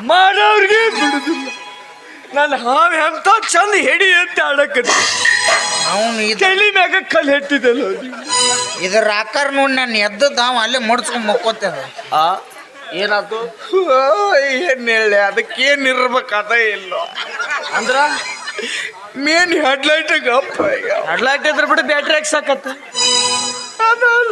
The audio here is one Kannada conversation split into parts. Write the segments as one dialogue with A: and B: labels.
A: ಮಾಡೋರ್ಗೆ ಬಿಡುದಿಲ್ಲ. ನಾನು ಹಾವು ಎಂತ ಚಂದ ಹೆಡಿ ಅಂತ ಆಡಕತ್ತ
B: ಅವನು
A: ತಲೆ ಮ್ಯಾಗ ಕಲ್ಲು ಹೆಟ್ಟಿದಲ್ಲ.
B: ಇದ್ರ ಆಕಾರ ನೋಡಿ ನಾನು ಎದ್ದದ್ದು ಅವ ಅಲ್ಲೇ ಮುಡ್ಸ್ಕೊಂಡ್ ಮಕ್ಕೋತೇನೆ.
A: ಏನಾಯ್ತು?
B: ಏನ್ ಹೇಳಿ ಅದಕ್ಕೇನ್ ಇರ್ಬೇಕಾದ ಇಲ್ಲ
A: ಅಂದ್ರ
B: ಮೇನ್ ಹೆಡ್ಲೈಟ್ ಗಪ್ಪ
A: ಅಡ್ಲಾಕ್ ಇದ್ರ ಬಿಟ್ಟು ಬ್ಯಾಟ್ರಿ ಹಾಕ್ಸಾಕತ್ತ
B: ಅದಲ್ಲ.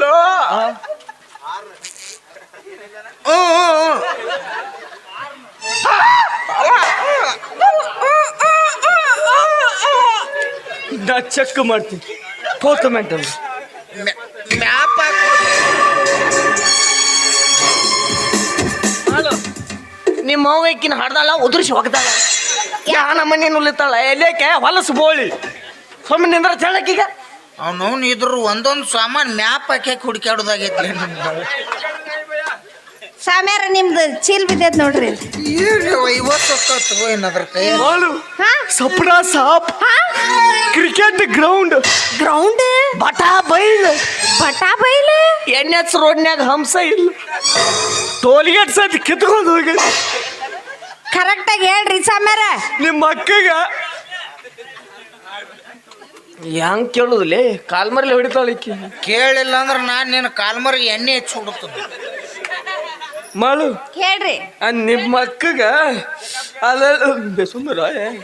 A: ನಾ ಚೆಕ್ ಮಾಡ್ತೀನಿ ಫೋಟೋ ಮೆಂಟಲ್
B: ಮ್ಯಾಪ್
A: ನಿಮ್ಮ ಅವ್ವಕ್ಕಿನ ಹಾಡ್ದಾಳ ಉದುರಿಸಿ ಹೋಗ್ದಾಳ ಯಾನ ಮನೆ ನುಲಿತಾಳ ಎಲೇಕೆ ಹೊಲಸು ಬೋಳಿ ಸುಮ್ಮನೆ ನಿಂದ್ರ ಚಳಕೀಗ
B: ಅವನವ್ನು ಇದ್ರು ಒಂದೊಂದು ಸಾಮಾನು ಮ್ಯಾಪ್ ಹಾಕಿ ಹುಡುಕಾಡೋದಾಗೈತಿ.
C: ಸಾಮ್ಯಾರ ನಿಮ್ದು ಚೀಲ್ ಬಿದ್ದೈತ್ ನೋಡ್ರಿ.
B: ಏನು 50 ಏನಾದ್ರ ಕೈ
A: ಸಪ್ನ ಸಾಪ್ ಕ್ರಿಕೆಟ್ ಗ್ರೌಂಡ್ ಬಟಾ ಬೈಲ್ NH ರೋಡ್ನ್ಯಾಗ ಹಂಸ ಇಲ್ಲ ಟೋಲ್ಗೇಟ್ ಸತಿ ಕಿತ್ಕೊಂಡು ಹೋಗಿ
C: ಕರೆಕ್ಟ್ ಆಗಿ ಹೇಳ್ರಿ ಸಾಮ್ಯಾರ.
A: ನಿಮ್ಮ ಅಕ್ಕಗ ಹೆಂಗ್ ಕೇಳುದಿಲ್ಲ ಕಾಲ್ಮರ್ಲಿ ಹೊಡಿತಾಳಿಕ್ಕಿ
B: ಕೇಳಿಲ್ಲ ಅಂದ್ರೆ ನಾನು ನಿನ್ನ ಕಾಲ್ಮರಿಗೆ ಎಣ್ಣೆ ಹೆಚ್ಚು ಹುಡುಕ್ತದೆ
A: ಮಾಡು
C: ಹೇಳ್ರಿ.
A: ನಿಮ್ಮ ಅಕ್ಕಗ ಅಲ್ಲ ಸುಂದರ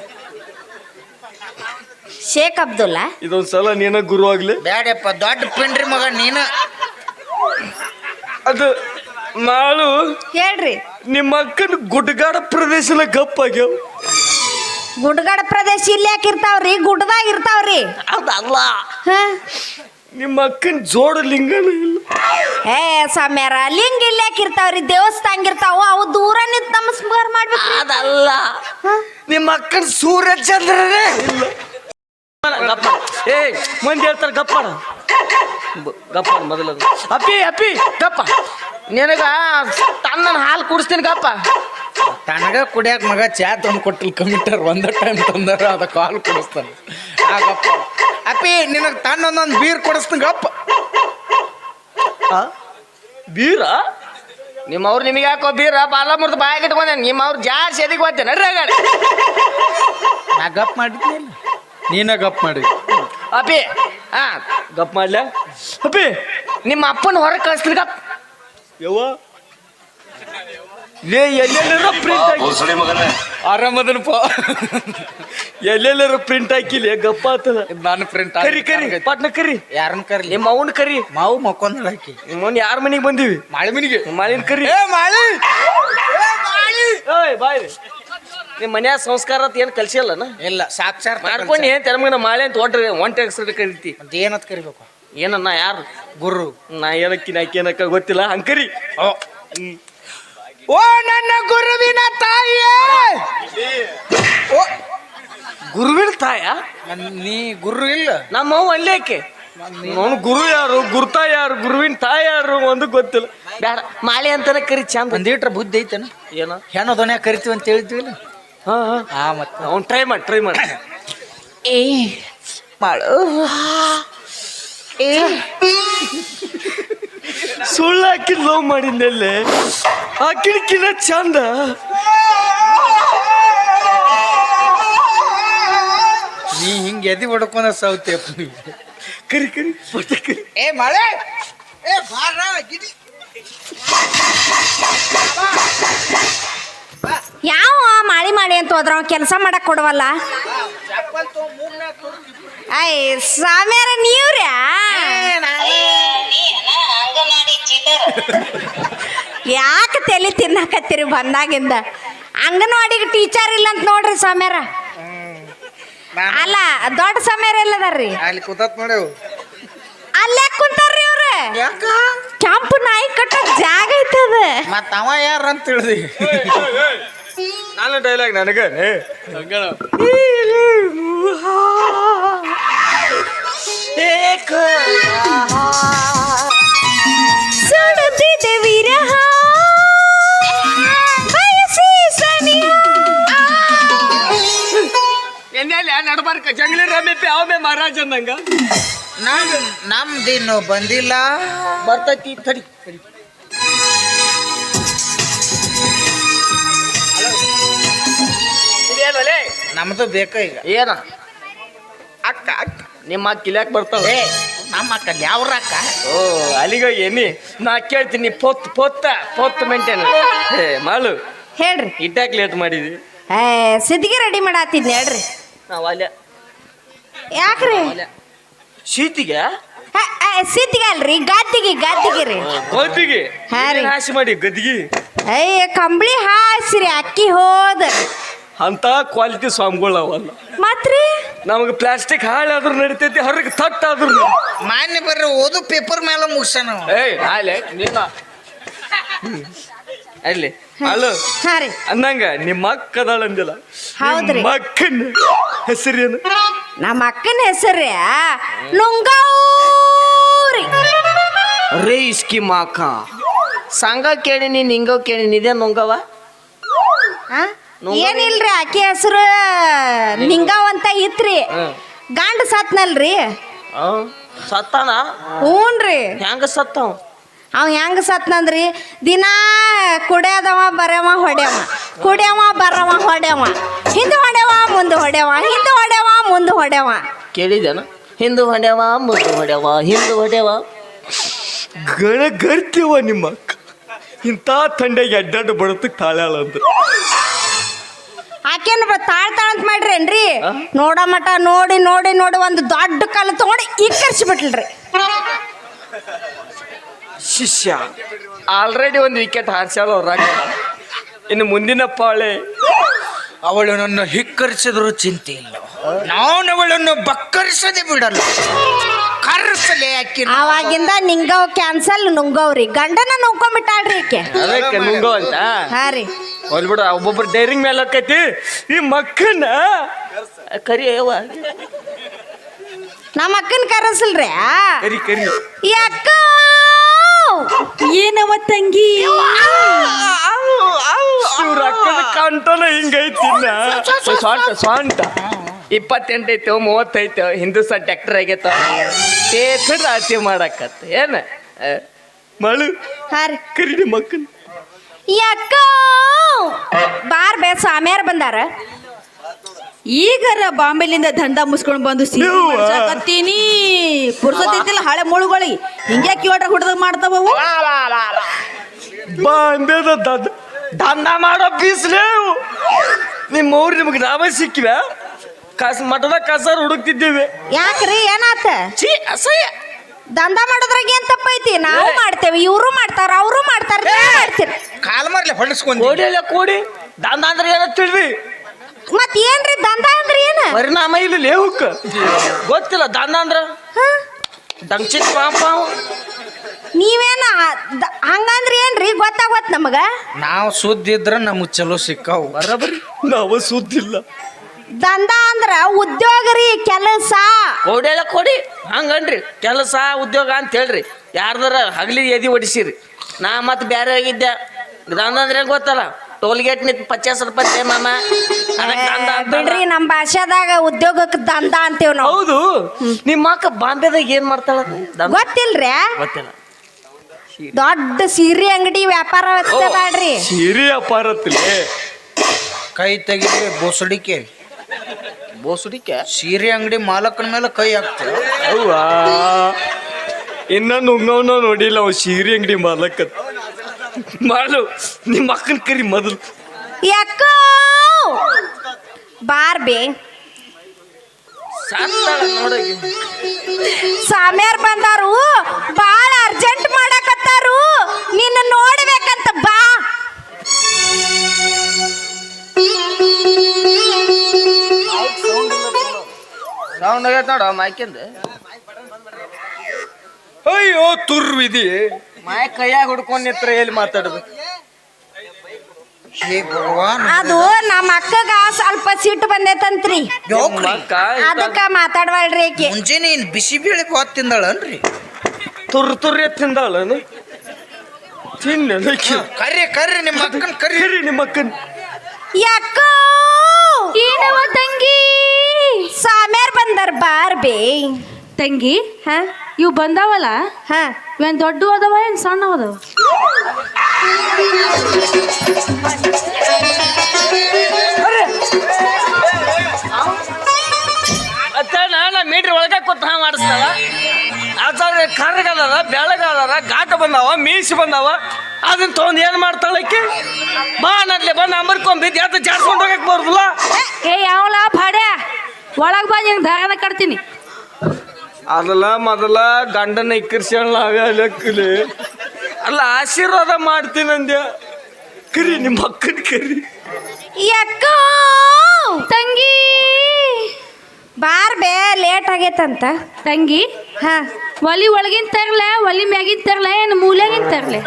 C: ಶೇಖ್ ಅಬ್ದುಲ್ಲಾ
A: ಇದೊಂದ್ಸಲ ನೀನ ಗುರು ಆಗ್ಲಿ
B: ಬ್ಯಾಡಪ್ಪ ದೊಡ್ಡ ಪಿಂಡ್ರಿ ಮಗ ನೀನು.
A: ಅದು ಮಾಡು
C: ಹೇಳ್ರಿ.
A: ನಿಮ್ಮ ಅಕ್ಕನ ಗುಡ್ಡಗಾಡ ಪ್ರದೇಶನ ಗಪ್ಪಾಗ್ಯಾವ.
C: ಗುಡ್ಡಗಾಡ ಪ್ರದೇಶ ಇಲ್ಲಿ ಯಾಕೆ ಇರ್ತಾವ್ರಿ? ಗುಡ್ಡದಾಗ ಇರ್ತಾವ್ರಿ.
A: ಅದಲ್ಲ
C: ಹ
A: ನಿಮ್ಮ ಅಕ್ಕನ ಜೋಡ ಲಿಂಗನ ಇಲ್ಲ.
C: ಏ ಸಾಮ್ಯಾರ ಲಿಂಗ ಇಲ್ಲಿ ಯಾಕೆ ಇರ್ತಾವ್ರಿ? ದೇವಸ್ಥಾನ ಇರ್ತಾವ, ಅವು ದೂರ ನಿಂತು ನಮಸ್ಕಾರ ಮಾಡ್ಬೇಕು.
A: ಅದಲ್ಲ ನಿಮ್ಮ ಅಕ್ಕನ ಸೂರ್ಯ ಚಂದ್ರನೇ ಇಲ್ಲ. ಗಪ್ಪ ಏ ಮಂದಿ ಹೇಳ್ತಾರೆ ಗಪ್ಪಾಡ ಗಪ್ಪ ಮೊದಲ ಅಪ್ಪಿ ಅಪ್ಪಿ ಗಪ್ಪ ನಿನಗ ತನ್ನ ಹಾಲು ಕುಡಿಸ್ತೀನಿ ಗಪ್ಪ.
B: ತನಗ ಕುಡಿಯಾಕ ಮಗ ಚಾ ತಂದು ಕೊಟ್ಟಿಲ್ಲ ಕಮಿಟರ್ ಒಂದ ಟೈಮ್ ತಂದಾರ ಅದಕ್ಕೆ ಹಾಲು ಕುಡಿಸ್ತಾನೆ. ಆಗಪ್ಪ ಅಪ್ಪಿ ನಿನಗೆ ತನ್ನ ಒಂದೊಂದು ಬೀರ್ ಕೊಡಿಸ್ತೀನಿ ಗಪ್ಪ.
A: ಬೀರ ನಿಮ್ಮವ್ರು ನಿಮಗೆ ಯಾಕೋ ಬೀರ ಬಾಲ ಮುರ್ದು ಬಾಯಾಗ ಇಟ್ಕೊಂಡೆ ನಿಮ್ಮವ್ರು ಜಾಸ್ತಿ ಎದಿಗೆ ಹೋಗ್ತೇನೆ ನಡ್ರಿ ಗಾಡಿ
B: ನಾ ಗಪ್ ಮಾಡಿದ್ನಿಲ್ಲ ನೀನ ಗಪ್ ಮಾಡಿ.
A: ಅಪ್ಪಿ ಹಾ ಗಪ್ ಮಾಡ್ಲ ಅಪ್ಪಿ ನಿಮ್ಮ ಅಪ್ಪನ ಹೊರಗೆ ಕಳಿಸ್ತೀನಿ ಗಪ್ ಯವ್ವ ಲೇ ಎಲ್ಲೆಲ್ಲರ ಪ್ರಿಂಟ್ ಹಾಕಿ
B: ಆರಾಮದನಪ್ಪ
A: ಎಲ್ಲೆಲ್ಲರ ಪ್ರಿಂಟ್ ಹಾಕಿಲ್ಲ ಗಪ್ಪ ಆತದ.
B: ನಾನು ಪ್ರಿಂಟ್
A: ಕರಿ ಕರಿ ಪಟ್ನ ಕರಿ
B: ಯಾರನ್ನ ಕರ್ಲಿ?
A: ನಿಮ್ಮ ಅವನ್ ಕರಿ.
B: ಮಾವು ಮಕ್ಕೊಂದ್ ಹಾಕಿ
A: ಮೊನ್ನೆ ಯಾರ ಮನೆಗೆ ಬಂದೀವಿ?
B: ಮಾಳಿ ಮನಿಗೆ.
A: ಮಾಳಿನ ಕರಿ.
B: ಮಾಳಿ
A: ಏಯ್ ಬಾಯ್ ನಿಮ್ಮ ಮನ್ಯಾಗ ಸಂಸ್ಕಾರ ಅಂತ ಏನು ಕಲ್ಸಿಲ್ಲನ?
B: ಇಲ್ಲ ಸಾಕ್ಷಾತ್
A: ಮಾಡ್ಕೊಂಡು ಏನ್ ತೆರಮಗ ಮಾಳೆ ಅಂತ ಒಂಟೆ ಹೆಸರು ಕರಿತಿ.
B: ಏನತ್ ಕರಿಬೇಕು?
A: ಏನನ್ನ ಯಾರು
B: ಗುರು.
A: ನಾ ಏನಕ್ಕಿ ನಾಕೇನಕ್ಕ ಗೊತ್ತಿಲ್ಲ ಹಂಕರಿ.
B: ಓ ನನ್ನ ಗುರುವಿನ ತಾಯಿಯೇ. ಓ
A: ಗುರುವಿನ ತಾಯ?
B: ನೀ ಗುರು ಇಲ್ಲ.
A: ನಮ್ಮವ್ವ ಅಲ್ಲೇಕೆ ಅವನು ಗುರು ಯಾರು ಗುರುತಾ ಯಾರು ಗುರುವಿನ ತಾಯಿ ಯಾರು ಒಂದು ಗೊತ್ತಿಲ್ಲ. ಬೇಡ ಮಾಳೆ ಅಂತಾನೆ ಕರಿ ಚಂದ.
B: ಒಂದೀಟ್ರ ಬುದ್ಧಿ ಐತನ?
A: ಏನೋ
B: ಹೆಣ್ಣು ದೊನೆ ಕರಿತೀವಿ ಅಂತ ಹೇಳಿದ್ವಿಲ್ಲ. ಹಾ ಮತ್ತೆ
A: ಅವ್ನು ಟ್ರೈ ಮಾಡಿ
B: ಏ ಮಾಡು ಏ
A: ಸುಳ್ಳು ಹಾಕಿ ಲವ್ ಮಾಡಿದ್ದೆಲ್ಲೇ ಹಾಕಿಡ್ಕಿನ ಚಂದ.
B: ನೀ ಹಿಂಗೆ ಎದಿ ಹೊಡ್ಕೊಂಡ ಸೌತೆ
A: ಕರಿ ಕರಿ ಕರಿ.
B: ಏ ಮಳೆ ಏ ಬಾರ ಗಿಡಿ
C: ಯಾವ ಮಾಡಿ ಅಂತ ಹೋದ್ರ ಅವ ಕೆಲಸ ಮಾಡಕ್ ಕೊಡವಲ್ಲ. ಅಯ್ಯ ಸಾಮ್ಯಾರ ನೀವ್ರ್ಯಾ ಯಾಕೆ ತಲೆ ತಿನ್ನಕತ್ತೀರಿ ಬಂದಾಗಿಂದ? ಅಂಗನವಾಡಿಗೆ ಟೀಚರ್ ಇಲ್ಲ ಅಂತ ನೋಡ್ರಿ ಸಾಮ್ಯಾರ. ಅಲ್ಲ ದೊಡ್ಡ ಸಾಮ್ಯಾರ ಎಲ್ಲದಾರ್ರಿ?
B: ಅಲ್ಲಿ ಕೂತತ್ ನೋಡೇವು.
C: ಅಲ್ಲೇ ಕುಂತಾರ್ರಿ ಅವ್ರ. ಕೆಂಪು ನಾಯಿ ಕಟ್ಟಕ್ ಜಾಗ ಐತದ.
B: ಮತ್ತ ಅವ ಯಾರ ಅಂತ ತಿಳಿದಿ?
A: ನಾನು ಡೈಲಾಗ್ ನನಗ
C: ಸುಡುತ್ತಿದೆ ವಿರಹ ಬಯಸಿ ಸನಿಹ.
A: ನಡ್ಬಾರ್ಕ ಜಂಗ್ಲಿ ರಮೇಪಿ ಅವೇ ಮಹಾರಾಜ ಅಂದಂಗ
B: ನಮ್ದಿನ್ನು ಬಂದಿಲ್ಲ.
A: ಬರ್ತೈತಿ ತಡಿ.
B: ನಮ್ದು ಬೇಕ ಈಗ
A: ಏನ ಅಕ್ಕ ಅಕ್ಕ ನಿಮ್ಮ ಅಕ್ಕ ಇಲ್ಯಾಕೆ ಬರ್ತಾವ
B: ಏ ನಮ್ಮ ಅಕ್ಕ ಯಾವ್ರ ಅಕ್ಕ
A: ಓ ಅಲ್ಲಿಗ ಏನಿ ನಾ ಕೇಳ್ತೀನಿ ಪೊತ್ತ ಮೇಂಟೈನ್ ಏ ಮಾಲು
C: ಹೇಳ್ರಿ
A: ಇಟ್ಟಾಕ್ ಲೇಟ್ ಮಾಡಿದ್ವಿ
C: ಸಿದ್ಧಿಗೆ ರೆಡಿ ಮಾಡಾತಿದ್ನಿ ಹೇಳ್ರಿ
A: ನಾವು ಅಲ್ಲೇ
C: ಯಾಕ್ರಿ
A: ಶೀತಿಗೆ
C: ಸಿದ್ಧಿಗೆ ಅಲ್ರಿ ಗದ್ದಿಗೆ ರೀ
A: ಗದ್ದಿಗೆ
C: ಹಾ ರೀ.
A: ಹಾಸಿ ಮಾಡಿ ಗದ್ದಿಗೆ
C: ಅಯ್ಯ ಕಂಬಳಿ ಹಾಸಿರಿ ಅಕ್ಕಿ ಹೋದ
A: ಅಂತ ಕ್ವಾಲಿಟಿ ಸ್ವಾಮಿಗಳು ಅವಲ್ಲ
C: ಮತ್ರಿ
A: ನಮಗೆ ಪ್ಲಾಸ್ಟಿಕ್ ಹಾಳಾದ್ರೂ ನಡಿತೈತಿ ಹೊರಗೆ ತಟ್ಟಾದ್ರೂ
B: ಮಾನ್ಯ ಬರ್ರಿ ಓದು ಪೇಪರ್ ಮೇಲೆ ಮುಗಿಸ್ಯಾನ
A: ಏಯ್ ಆಲೆ ನಿನ್ನ ಅಲ್ಲಿ ಅಲ್ಲ
C: ಹಾ ರೀ
A: ಅಂದಂಗ ನಿಮ್ಮ ಅಕ್ಕ ಅದಾಳ ಅಂದಿಲ್ಲ
C: ಹೌದ್ರಿ.
A: ನಿಮ್ಮ ಅಕ್ಕನ ಹೆಸರೇನು
C: ನಮ್ಮ ಅಕ್ಕನ ಹೆಸರು ನುಂಗೌರಿ
A: ರೇ ಇಸ್ಕಿ ಮಾಕ ಸಂಘ ಕೇಳಿನಿ ನಿಂಗೋ ಕೇಳಿನಿ ಇದೇ ನುಂಗವ
C: ಏನಿಲ್ರಿ ಆಕೆ ಹೆಸರು ನಿಂಗಾವ್ ಅಂತ ಇತ್ರಿ ಗಂಡ ಸತ್ನಲ್ರಿ
A: ಸತ್ತಾನ
C: ಹ್ಞೂನ್ರಿ
A: ಹೆಂಗ ಸತ್ತಾವ
C: ಅವ ಹೆಂಗ ಸತ್ನಂದ್ರಿ ದಿನಾ ಕುಡಿಯದವ ಬರವ ಹೊಡ್ಯವ ಕುಡಿಯವ ಬರವ ಹೊಡ್ಯವ ಹಿಂದೆ ಹೊಡ್ಯವ ಮುಂದೆ ಹೊಡ್ಯವ ಹಿಂದೆ ಹೊಡ್ಯವ ಮುಂದೆ ಹೊಡ್ಯವ
A: ಕೇಳಿದೇನ ಹಿಂದೂ ಹೊಡ್ಯವ ಮುಂದೆ ಹೊಡ್ಯವ ಹಿಂದೂ ಹೊಡ್ಯವ ಗರ್ತಿವ ನಿಮ್ಮ ಅಕ್ಕ ಇಂಥ ಥಂಡಿಗೆ ಅಡ್ಡಾಡು ಬಡತಕ್ಕೆ ತಾಳ್ಯಾಳ ಅಂದ್ರೆ
C: ಆಕೇನ್ ತಾಳ್ ಅಂತ ಮಾಡ್ರೇನ್ರಿ ನೋಡೋ ಮಟ ನೋಡಿ ನೋಡಿ ನೋಡಿ ಒಂದು ದೊಡ್ಡ ಕಲ್ಲು ತಗೊಂಡು ಇಕ್ಕರ್ಸಿಬಿಟ್ಲ್ರಿ
A: ಶಿಷ್ಯ ಆಲ್ರೆಡಿ ಒಂದು ವಿಕೆಟ್ ಹಾರ್ಸ್ಯಾಳ ಅವ್ರಾಗ ಇನ್ನು ಮುಂದಿನ ಪಾಳೆ
B: ಅವಳು ನನ್ನ ಹಿಕ್ಕರಿಸಿದ್ರು ಚಿಂತೆ ಇಲ್ಲ ನಾನು ಅವಳನ್ನು ಬಕ್ಕರಿಸದೆ ಬಿಡಲ್ಲ ಕರ್ಸಲೆ ಅಕ್ಕಿ
C: ಅವಾಗಿಂದ ನಿಂಗವ್ ಕ್ಯಾನ್ಸಲ್ ನುಂಗವ್ರಿ ಗಂಡನ ನುಂಗ್ಕೊಂಡ್ಬಿಟ್ಟಾಳ್ರಿ ಈಕೆ
A: ಅದಕ್ಕೆ ನುಂಗೋ ಅಂತ
C: ಹಾ ರೀ
A: ಹೋಲ್ಬಿಡು ಒಬ್ಬೊಬ್ರು ಡೈರಿಂಗ್ ಮೇಲೆ ಹಾಕೈತಿ ಈ ಮಕ್ಕನ್ನ ಕರಿ ಯವ್ವ
C: ನಮ್ಮ ಅಕ್ಕನ ಕರೆಸಲ್ರಿ
A: ಕರಿ ಕರಿ
C: ಅಕ್ಕ
D: ಏನವ ತಂಗಿ
A: ಇವ್ರ ಅಕ್ಕನ ಕಂಠನ ಹಿಂಗೈತಿ ಸ್ವಂಟ 28 ಐತೆ 30 ಐತೆ ಹಿಂದೂಸ್ತಾನ್ ಟ್ಯಾಕ್ಟರ್ ಆಗೈತ ರಾತಿ ಮಾಡಾಕತ್ತ ಏನ ಮಳು
C: ಹಾ ರೀ
A: ಕರಿ ನಿಮ್ಮ ಮಕ್ಕನ್
C: ಅಕ್ಕ ಬಾರ್ ಬೇ ಸಾಮ್ಯಾರ ಬಂದಾರ
D: ಈಗರ ಬಾಂಬೆಲಿಂದ ದಂಡ ಮುಸ್ಕೊಂಡ್ ಬಂದು ಕತ್ತೀನಿ ಪುರ್ಸತ್ತಿಲ್ಲ ಹಳೆ ಮುಳುಗಳಿಗೆ ಹಿಂಗೆ ಕಿವಟ್ರ ಹುಡ್ದಾಗ ಮಾಡ್ತಾವವು
A: ಬಾಂಬೆದ ದಂಡ ಮಾಡೋ ಬೀಸ್ಲೇ ನಿಮ್ಮ ಊರು ನಿಮಗೆ ನಾವೇ ಸಿಕ್ಕಿವ ಮಠದ ಕಸಾರ ಹುಡುಕ್ತಿದ್ದೇವೆ
C: ಯಾಕ್ರಿ ಏನಾತ
A: ಛೀ ಅಸಹ್ಯ
C: ದಂಧ ಮಾಡೋದ್ರಾಗ ಏನ್ ತಪ್ಪೈತಿ ನಾವು ಮಾಡ್ತೇವೆ ಇವರು ಮಾಡ್ತಾರ ಅವರು ಮಾಡ್ತಾರ ಮಾಡ್ತೀರಿ
B: ಕಾಲ್ ಮಾರ್ಲೆ ಹೊಡಿಸ್ಕೊಂಡಿ
A: ಕೋಡಿ ಅಲ್ಲ ಕೋಡಿ ದಂಡ ಅಂದ್ರೆ ಏನ ತಿಳಿದ್ರಿ
C: ಮತ್ ಏನ್ರಿ ದಂಧ ಅಂದ್ರ ಏನ
A: ಪರಿಣಾಮ ಇಲ್ಲ ಲೇಹುಕ್ ಗೊತ್ತಿಲ್ಲ ದಂಡ ಅಂದ್ರ ದಂಚಿತ್ ಪಾಪ
C: ನೀವೇನ ಹಂಗಂದ್ರ ಏನ್ರಿ ಗೊತ್ತಾಗೋತ್ ನಮಗ
B: ನಾವು ಸುದ್ದಿ ಇದ್ರ ನಮಗ್ ಚಲೋ ಸಿಕ್ಕಾವು
A: ಬರಬರಿ ನಾವು ಸುದ್ದಿಲ್ಲ
C: ದಂಧ ಅಂದ್ರ ಉದ್ಯೋಗ ರೀ ಕೆಲಸ
A: ಕೋಡಿ ಅಲ್ಲ ಕೋಡಿ ಹಂಗನ್ರಿ ಕೆಲಸ ಉದ್ಯೋಗ ಅಂತ ಹೇಳ್ರಿ ಯಾರ್ದಾರ ಹಗಲಿ ಎದಿ ಹೊಡಿಸಿರಿ ನಾ ಮತ್ತೆ ಬ್ಯಾರೆ ಆಗಿದ್ದೆ ದಂಡ ಅಂದ್ರೆ ಗೊತ್ತಲ್ಲ ಟೋಲ್ ಗೇಟ್ ನಿಂತ 50 ರೂಪಾಯಿ ಮಾಮ
C: ಬಿಡ್ರಿ ನಮ್ ಭಾಷಾದಾಗ ಉದ್ಯೋಗಕ್ಕೆ ದಂಧ ಅಂತೇವ್ ನಾವು
A: ಹೌದು ನಿಮ್ಮ ಅಕ್ಕ ಬಾಂಬೆದಾಗ ಏನ್ ಮಾಡ್ತಾಳ
C: ಗೊತ್ತಿಲ್ರಿ
A: ಗೊತ್ತಿಲ್ಲ
C: ದೊಡ್ಡ ಸೀರೆ ಅಂಗಡಿ ವ್ಯಾಪಾರ ಮಾಡ್ರಿ
A: ಸೀರೆ ಅಪಾರತ್ತಿಲೆ
B: ಕೈ ತೆಗಿಲಿ ಬೋಸಡಿಕೆ
A: ಬೋಸುಡಿಕೆ
B: ಸೀರೆ ಅಂಗಡಿ ಮಾಲಕನ ಮೇಲೆ ಕೈ ಹಾಕ್ತಾರೆ
A: ಅವ್ವಾ ಇನ್ನ ನುಂಗವನ ನೋಡಿಲ್ಲ ಅವ್ ಸೀರೆ ಅಂಗಡಿ ಮಾಲಕತ್ ಮಾಡು ನಿಮ್ಮ ಅಕ್ಕನ ಕರಿ ಮೊದಲು
C: ಯಾಕ ಬಾರ್ಬೆ
A: ನೋಡಗಿ
C: ಸಾಮ್ಯಾರ್ ಬಂದಾರು ಬಾಳ ಅರ್ಜೆಂಟ್ ಮಾಡಕತ್ತಾರು ನಿನ್ನ ನೋಡ್ಬೇಕಂತ ಬಾ
A: ಸೌಂಡ್ ಆಗೈತೆ ನೋಡ ಮೈಕಿಂದ
B: ಅಯ್ಯೋ ತುರ್ವಿದಿ
A: ಮಾಯ ಕೈಯಾಗ ಹುಡ್ಕೊಂಡ್ ನಿತ್ರ ಎಲ್ಲಿ ಮಾತಾಡ್ಬೇಕು
B: ಹೇ ಭಗವಾನ್
C: ಅದು ನಮ್ಮ ಅಕ್ಕಗ ಸ್ವಲ್ಪ ಸಿಟ್ಟು ಬಂದೈತಂತ್ರಿ ಅದಕ್ಕ ಮಾತಾಡ್ವಾಳ್ರಿ ಆಕಿ
B: ಮುಂಜಾನೆ ಬಿಸಿ ಬೇಳೆ ಬಾತ್ ತಿಂದಾಳನ್ರಿ
A: ತುರ್ರಿ ತಿಂದಾಳನು ತಿನ್ನ
B: ಕರ್ರಿ ಕರ್ರಿ ನಿಮ್ಮ ಅಕ್ಕನ್ ಕರ್ರಿ
A: ನಿಮ್ಮ ಅಕ್ಕನ್
C: ಯಾಕ
D: ಏನವ ತಂಗಿ
C: ಸಾಮ್ಯಾರ್ ಬಂದಾರ ಬಾರ್ಬೆ
D: ತಂಗಿ
C: ಹ
D: ಇವು ಬಂದಾವಲ್ಲ
C: ಹ
D: ಇವೇನ್ ದೊಡ್ಡ ಅದಾವ ಏನ್ ಸಣ್ಣ ಅದಾವ
A: ಕೊಟ್ಟು ಹಾ ಮಾಡಿಸ್ತಾಳ ಆಚಾರ ಕರ್ಗದಾರ ಬೆಳಗದಾರ ಘಾಟ ಬಂದಾವ ಮೀಸಿ ಬಂದಾವ ಅದನ್ನ ತೊಗೊಂಡು ಏನು ಮಾಡ್ತಾಳಕ್ಕೆ ಬಾ ನಡ್ಲೆ ಬಂದು ಅಂಬರ್ಕೊಂಬಿದ್ದು ಯಾತ ಜಾಡ್ಸ್ಕೊಂಡು ಹೋಗಕ್ಕೆ ಬರುದಿಲ್ಲ
D: ಏ ಯಾವಲ ಭಾಡ್ಯ ಒಳಗ್ ಬಾ ನಿಂಗೆ ದಾಗನ ಕಟ್ತೀನಿ
A: ಅದಲ್ಲ ಮೊದಲ ಗಂಡನ ಇಕ್ಕರ್ಸ್ಯಾಳ ಲೆಕ್ಕಲಿ ಅಲ್ಲ ಆಶೀರ್ವಾದ ಮಾಡ್ತೀನಿ ಅಂದ್ಯ ಕರಿ ನಿಮ್ಮ ಅಕ್ಕನ ಕರಿ
C: ಯಕ್ಕ
D: ತಂಗಿ
C: ಬಾರ್ ಬೇ ಲೇಟ್ ಆಗೈತಂತ
D: ತಂಗಿ
C: ಹಾ
D: ಒಲಿ ಒಳಗಿನ ತರ್ಲೆ ಒಲಿ ಮ್ಯಾಗಿನ ತರ್ಲೆ ಏನು ಮೂಲೆಗಿನ ತರ್ಲೆ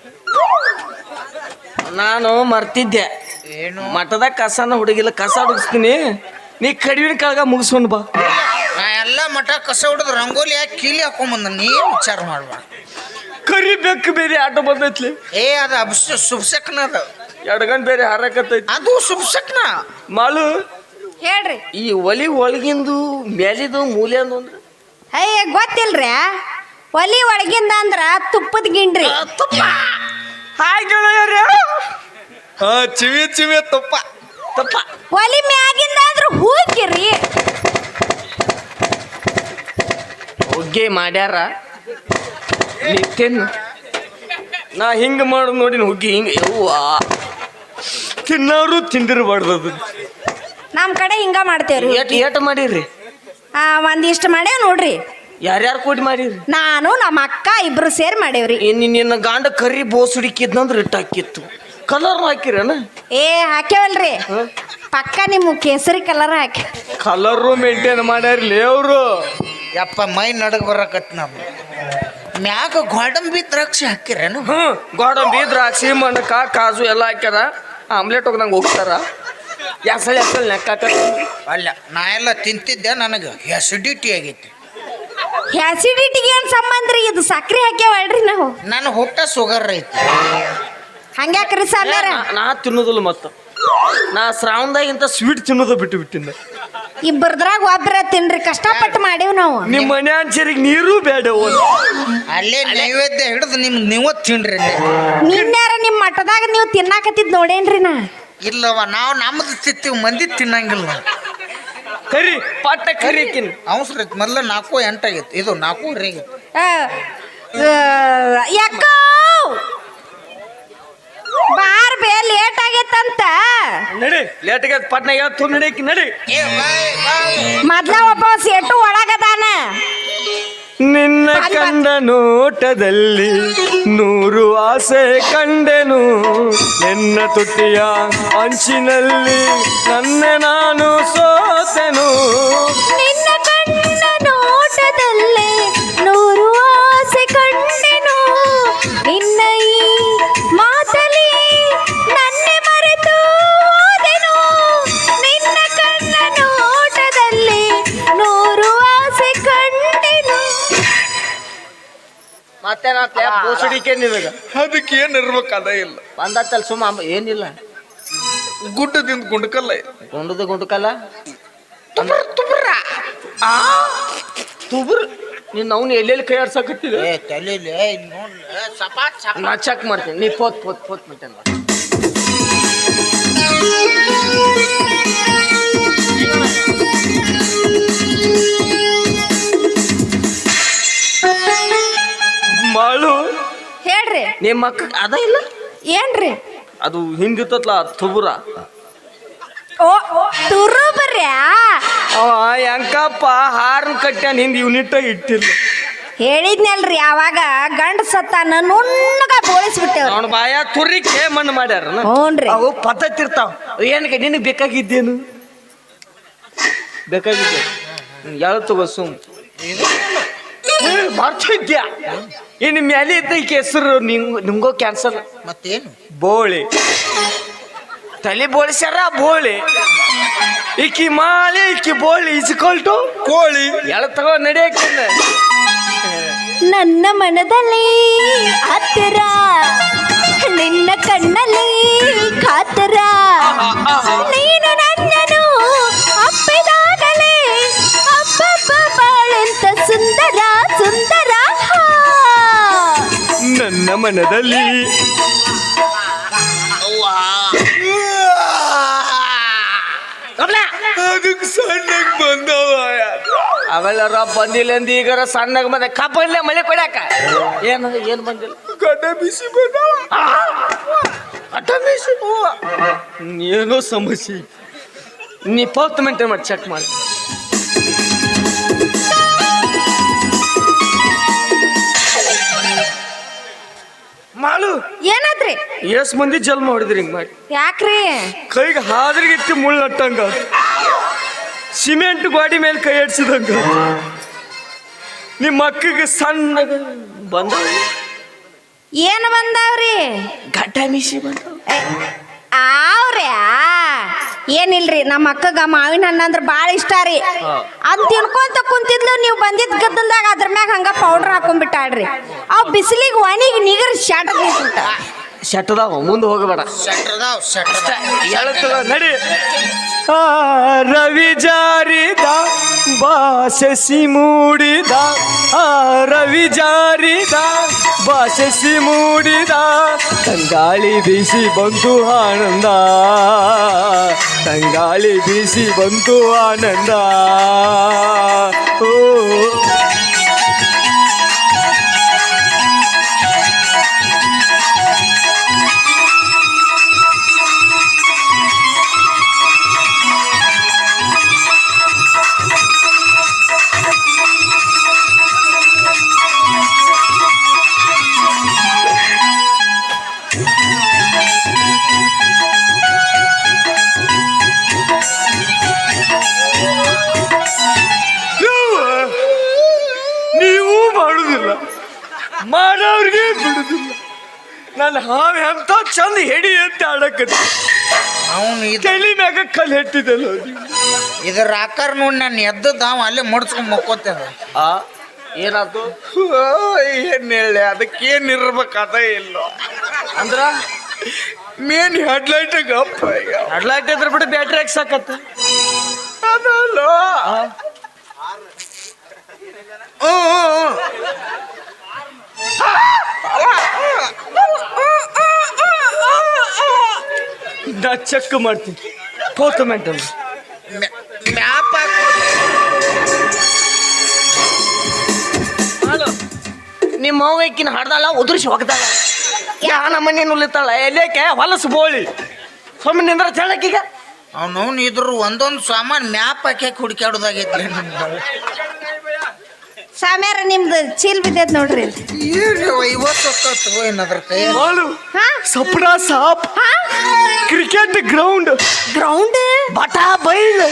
A: ನಾನು ಮರ್ತಿದ್ದೆ ಏನು ಮಠದಾಗ ಕಸನ ಹುಡುಗಿಲ್ಲ ಕಸ ಹುಡುಗಿಸ್ತೀನಿ ನೀ ಕಡಿವಿನ ಕಾಳಗ ಮುಗಿಸ್ಕೊಂಡು ಬಾ
B: ನಾ ಎಲ್ಲ ಮಠ ಕಸ ಹೊಡೆದು ರಂಗೋಲಿ ಹಾಕಿ ಕೀಲಿ ಹಾಕೊಂಬಂದ ನೀ ವಿಚಾರ ಮಾಡ್ಬಾ
A: ಕರಿಬೇಕು ಬೇರೆ ಆಟೋ ಬಂದೈತ್ಲಿ
B: ಏ ಅದು ಶುಭಸಕ್ನ ಅದು
A: ಎಡಗನ್ ಬೇರೆ ಹಾರಕತ್ತೈತಿ
B: ಅದು ಶುಭಸಕ್ನ
A: ಮಾಲು
C: ಹೇಳ್ರಿ
A: ಈ ಒಲಿ ಒಳಗಿಂದು ಮೇಲಿದು ಮೂಲೆ ಅಂದ್ರೆ
C: ಅಯ್ಯ ಗೊತ್ತಿಲ್ರಿ ಒಲಿ ಒಳಗಿಂದ ಅಂದ್ರ ತುಪ್ಪದ ಗಿಂಡ್ರಿ
A: ಹಾಯ್ ಗೆಳೆಯರೇ
B: ಹಾ ಚಿವಿ ಚಿವಿ ತುಪ್ಪ
A: ತಪ್ಪ
C: ಒಲಿ ಮ್ಯಾಗಿಂದ ಅಂದ್ರ ಹೂಕಿರಿ
A: ಹೊಗ್ಗೆ ಮಾಡ್ಯಾರ ನಿತ್ಯನ್ ನಾ ಹಿಂಗೆ ಮಾಡು ನೋಡಿ ಹುಗ್ಗಿ ಹಿಂಗೆ ಯವ್ವ ತಿನ್ನೋರು ತಿಂದಿರಬಾರ್ದು ಅದು
C: ನಮ್ ಕಡೆ ಹಿಂಗ ಮಾಡ್ತೇವ್ರಿ
A: ಏಟ್ ಮಾಡಿರಿ
C: ಒಂದಿಷ್ಟು ಮಾಡೇವ್ ನೋಡ್ರಿ
A: ಯಾರ್ಯಾರು ಕೂಡಿ ಮಾಡಿರಿ
C: ನಾನು ನಮ್ಮ ಅಕ್ಕ ಇಬ್ರು ಸೇರಿ ಮಾಡೇವ್ರಿ
A: ನಿನ್ನ ಗಾಂಡ ಕರಿ ಬೋಸ್ ಹುಡುಕಿದ್ನಂದ್ರೆ ಇಟ್ಟು ಹಾಕಿತ್ತು ಕಲರ್ ಹಾಕಿರೇನ
C: ಏ ಹಾಕ್ಯಾವಲ್ರಿ ಪಕ್ಕ ನಿಮ್ಮ ಕೇಸರಿ ಕಲರ್ ಹಾಕಿ
A: ಕಲರು ಮೇಂಟೈನ್ ಮಾಡ್ಯಾರ್ಲಿ ಅವರು
B: ಯಪ್ಪ ಮೈ ನಡಗ ಬರಕತ್ ನಾವು ಮ್ಯಾಗ ಗೋಡಂಬಿ ದ್ರಾಕ್ಷಿ ಹಾಕಿರೇನು
A: ಗೋಡಂಬಿ ದ್ರಾಕ್ಷಿ ಮಣಕ ಕಾಜು ಎಲ್ಲ ಹಾಕ್ಯಾರ ಆಮ್ಲೆಟ್ ಹೋಗಿ ನಂಗೆ ಹೋಗ್ತಾರ ಎಸಳು ನೆಕ್ಕಾಕ
B: ಅಲ್ಲ ನಾ ಎಲ್ಲ ತಿಂತಿದ್ದೆ ನನಗೆ ಅಸಿಡಿಟಿ ಆಗೈತಿ
C: ಆಸಿಡಿಟಿಗೆ ಏನ್ ಸಂಬಂಧ ರೀ ಇದು ಸಕ್ರೆ ಹಾಕ್ಯಾವಲ್ರಿ ನಾವು
B: ನನ್ನ ಹೊಟ್ಟೆ ಶುಗರ್ ಐತಿ
C: ಹಂಗ್ಯಾಕ್ರಿ ಸಾಮ್ಯಾರ
A: ನಾ ತಿನ್ನೋದಿಲ್ಲ ಮತ್ತು ನಾ ಶ್ರಾವಣದಾಗಿಂತ ಸ್ವೀಟ್ ತಿನ್ನೋದು ಬಿಟ್ಟು ಬಿಟ್ಟಿನ
C: ಇಬ್ಬರದ್ರಾಗ ಒಬ್ಬರ ತಿನ್ರಿ ಕಷ್ಟಪಟ್ಟು ಮಾಡೇವ್ ನಾವು
A: ನಿಮ್ಮ ಮನೆ ಅನ್ಸರಿಗೆ ನೀರು ಬೇಡ
B: ಅಲ್ಲೇ ನೈವೇದ್ಯ ಹಿಡಿದು ನೀವು ತಿನ್ರಿ
C: ನಿನ್ಯಾರ ನಿಮ್ಮ ಮಠದಾಗ ನೀವು ತಿನ್ನಾಕತ್ತಿದ್ ನೋಡೇನ್ರಿ ನಾ
B: ಇಲ್ಲವ ನಾವು ನಮ್ಮದು ತಿಂತೀವಿ ಮಂದಿ ತಿನ್ನಂಗಿಲ್ಲ
A: ಕರಿ ಪಟ್ಟ ಕರಿಕಿನ್
B: ಅವಸರ ಐತಿ ಮೊದಲು 4:08 ಆಗೈತಿ ಇದು 4:30 ಆಗೈತಿ
C: ಯಾಕೋ ಬಾರ್ ಬೇ ಲೇಟ್ ಆಗೈತಂತ
A: ನಡಿ ಲೇಟ್ಗೆ ಪಟ್ನ ಯಾವತ್ತು ನಡಿಯಕ್ಕೆ ನಡಿ
C: ಮೊದ್ಲ ಒಬ್ಬ ಸೇಟು ಒಳಗದಾನ
A: ನಿನ್ನ ಕಂಡ ನೋಟದಲ್ಲಿ 100 ಆಸೆ ಕಂಡೆನು ನಿನ್ನ ತುಟಿಯ ಅಂಚಿನಲ್ಲಿ ನನ್ನ ನಾನು ಸೋತೆನು
C: ನಿನ್ನ ಕಣ್ಣ ನೋಟದಲ್ಲೇ 100 ಆಸೆ ಕಂಡೆನು ನಿನ್ನ ಈ ಮಾತಲಿ ನನ್ನೆ ಮರೆತು ಹೋದೆನು ನಿನ್ನ ಕಣ್ಣ ನೋಟದಲ್ಲಿ 100 ಆಸೆ ಕಂಡೆನು
A: ಮತ್ತೆ ನಾ ಬೋಸಡಿಕೆ ನಿನಗ
B: ಅದಕ್ಕೆ ಏನು ಇರ್ಬೇಕು ಅದ ಇಲ್ಲ
A: ಬಂದತ್ತಲ್ಲ ಸುಮ್ಮ ಏನಿಲ್ಲ
B: ಗುಡ್ಡದಿಂದ ಗುಂಡ್ಕಲ್ಲ
A: ಗುಂಡದ ಗುಂಡಕಲ್ಲ ತುಬ್ರ ನೀನು ಅವ್ನು ಎಲ್ಲೆಲ್ಲಿ ಕೈ ಆಡ್ಸಕತ್ತಿಲ್ಲ
B: ಏ ತಲೆಲಿ ನೋಡ್ಲ ಸಪಾಟ್
A: ನಾ ಚೆಕ್ ಮಾಡ್ತೀನಿ ನೀ ಪೋತ್ ಮಿಟ್ಟನ್ ಮಾಳು
C: ಹೇಳ್ರಿ
A: ನಿಮ್ಮ ಅಕ್ಕ ಅದ ಇಲ್ಲ
C: ಏನ್ರಿ
A: ಅದು ಹಿಂದಿತ್ತಲ್ಲ ತುಬುರ
C: ಓ ತುರು ಬರ್ಯಾ
A: ಅವ ಹೆಂಕಪ್ಪ ಹಾರ್ನ್ ಕಟ್ಟ್ಯಾನ ಹಿಂದೆ ಯೂನಿಟ್ ಇಟ್ಟಿಲ್ಲ
C: ಹೇಳಿದ್ನಲ್ರಿ ಅವಾಗ ಗಂಡ ಸತ್ತಾನ ನುಣ್ಣಗ ಬೋಳಿಸ್ಬಿಟ್ಟೇವ್ರಿ
A: ಅವನ ಬಾಯ ತುರಿಕೆ ಮಣ್ಣು ಮಾಡ್ಯಾರ
C: ಹ್ಞೂನ್ರಿ
A: ಅವು ಪದ್ಧತಿರ್ತಾವ ಏನಕ್ಕೆ ನಿನಗೆ ಬೇಕಾಗಿದ್ದೇನು ಬೇಕಾಗಿದ್ದೆ ಯಾಳು ತಗೋ ಸುಮ್ ಮಾಡ್ತಿದ್ಯಾ ಇನ್ನು ಮ್ಯಾಲೆ ಇದ್ದ ಈಕೆ ಹೆಸರು ನಿಮ್ಗೋ ಕ್ಯಾನ್ಸರ್
B: ಮತ್ತೇನು
A: ಬೋಳಿ ತಲೆ ಬೋಳಿಸ್ಯಾರ ಬೋಳಿ ಈಕಿ ಮಾಲಿ ಈಕಿ ಬೋಳಿ ಇಸ್ಕೊಲ್ಟು ಕೋಳಿ ಎಳ ತಗೋ ನಡೆಯಕ್ಕೆ
C: ನನ್ನ ಮನದಲ್ಲಿ ಹತ್ತಿರ ನಿನ್ನ ಕಣ್ಣಲ್ಲಿ ಕಾತರ ನೀನು ನನ್ನನು ಅಪ್ಪಿದಾಗಲೇ ಅಪ್ಪಪ್ಪ ಬಾಳೆಂತ ಸುಂದರ ಸುಂದರ
A: ನನ್ನ ಮನದಲ್ಲಿ ಅದಕ್ಕೆ ಸಣ್ಣಗೆ ಬಂದವ ಅವೆಲ್ಲರ ಬಂದಿಲ್ಲ ಅಂದ ಈಗಾರ ಸಣ್ಣಗ ಬಂದ ಕಬ್ಬಲ್ಲೇ ಮಳೆ ಕೊಡ್ಯಾಕ ಏನು ಬಂದಿಲ್ಲ ಗಡ್ಡ ಬಿಸಿ ಗಡ್ಡ ಬಿಸಿ ಏನೋ ಸಮಸ್ಯೆ ನೀ 10 ಮಿನಿಟ್ ಮಾಡಿ ಚೆಕ್ ಮಾಡಿ ಮಾಡು
C: ಏನಾದ್ರಿ
A: ಎಷ್ಟ್ ಮಂದಿ ಜಲ್ಮ ಹೊಡಿದ್ರಿ ಹಿಂಗ್ ಮಾಡಿ
C: ಯಾಕ್ರಿ
A: ಕೈಗೆ ಹಾದ್ರಿಗಿತ್ತು ಮುಳ್ಳು ನಟ್ಟಂಗ ಸಿಮೆಂಟ್ ಗಾಡಿ ಮೇಲೆ ಕೈ ಆಡ್ಸಿದಂಗ ನಿಮ್ಮ ಅಕ್ಕಗೆ ಸಣ್ಣ ಬಂದ
C: ಏನು ಬಂದಾವ್ರಿ
A: ಗಡ್ಡ ಮೀಸಿ ಬಂದ
C: ಅವ್ರ್ಯಾ ಏನಿಲ್ರಿ ನಮ್ಮ ಅಕ್ಕಗ ಮಾವಿನ ಹಣ್ಣು ಅಂದ್ರೆ ಭಾಳ ಇಷ್ಟ ರೀ ಅದ್ ತಿನ್ಕೊಂತ ಕುಂತಿದ್ಲು ನೀವು ಬಂದಿದ್ ಗದ್ದಲ್ದಾಗ ಅದ್ರ ಮ್ಯಾಗ ಹಂಗ ಪೌಡರ್ ಹಾಕೊಂಡ್ಬಿಟ್ಟಾಳ್ರಿ ಅವ್ ಬಿಸಿಲಿಗೆ ಒಣಿಗೆ ನಿಗರ್ ಶಾಟ ನಿಂತ
A: ಶೆಟ್ಟದಾವ ಮುಂದೆ ಹೋಗಬೇಡ ನಡಿ ರವಿ ಜಾರಿದ ಬಾಸಸಿ ಮೂಡಿದ ರವಿ ಜಾರಿದ ಬಾಸಸಿ ಮೂಡಿದ ತಂಗಾಳಿ ಬೀಸಿ ಬಂತು ಆನಂದ ತಂಗಾಳಿ ಬೀಸಿ ಬಂತು ಆನಂದ ಓ ಮಾಡೋರಿಗೆ ಬಿಡುದಿಲ್ಲ ನಾನು ಹಾವು ಎಂತ ಚಂದ ಹೆಡಿ ಅಂತ ಆಡಕತ್ತಿ
B: ಅವನು
A: ತಲೆ ಮ್ಯಾಗ ಕಲ್ಲು ಹೆಟ್ಟಿದಲ್ಲ
B: ಇದ್ರ ಆಕಾರ ನೋಡಿ ನಾನು ಎದ್ದದ ಅವ ಅಲ್ಲೇ ಮುಡ್ಸ್ಕೊಂಡ್ ಮಕ್ಕೋತೇವೆ
A: ಏನಾಯ್ತು
B: ಏನ್ ಹೇಳಿ ಅದಕ್ಕೇನ್ ಇರ್ಬೇಕಾದ ಇಲ್ಲೋ
A: ಅಂದ್ರ
B: ಮೇನ್ ಹೆಡ್ಲೈಟ್ ಗಪ್ಪ ಈಗ
A: ಹೆಡ್ಲೈಟ್ ಇದ್ರ ಬಿಟ್ಟು ಬ್ಯಾಟ್ರಿ ಹಾಕ್ಸಾಕತ್ತ
B: ಅದಲ್ಲ
A: ನಾ ಚೆಕ್ ಮಾಡ್ತೀನಿ 4 ಮಿನಿಟ್
B: ಮ್ಯಾಪ್
A: ನಿಮ್ಮ ಅವ್ವಕ್ಕಿನ ಹಾಡ್ದಾಳ ಉದುರಿಸಿ ಹೋಗ್ದಾಳ ಯಾನ ಮನೆ ನುಲಿತಾಳ ಎಲೇಕೆ ಹೊಲಸು ಬೋಳಿ ಸುಮ್ಮನೆ ನಿಂದ್ರ ಹೇಳಕ್ಕೀಗ
B: ಅವನವ್ನು ಇದ್ರು ಒಂದೊಂದು ಸಾಮಾನು ಮ್ಯಾಪ್ ಹಾಕಿ ಹುಡುಕ್ಯಾಡೋದಾಗೈತ್ಲಿ
C: ಸಾಮ್ಯಾರ ನಿಮ್ದು ಚೀಲ್ ಬಿದ್ದೈತ್ ನೋಡ್ರಿ
B: ಏನು 50 ಏನದ್ರ ಕೈ
A: ಮಾಡು ಸಪ್ನಾ ಸಾಪ್ ಕ್ರಿಕೆಟ್ ಗ್ರೌಂಡ್ ಬಟಾ ಬೈಲ್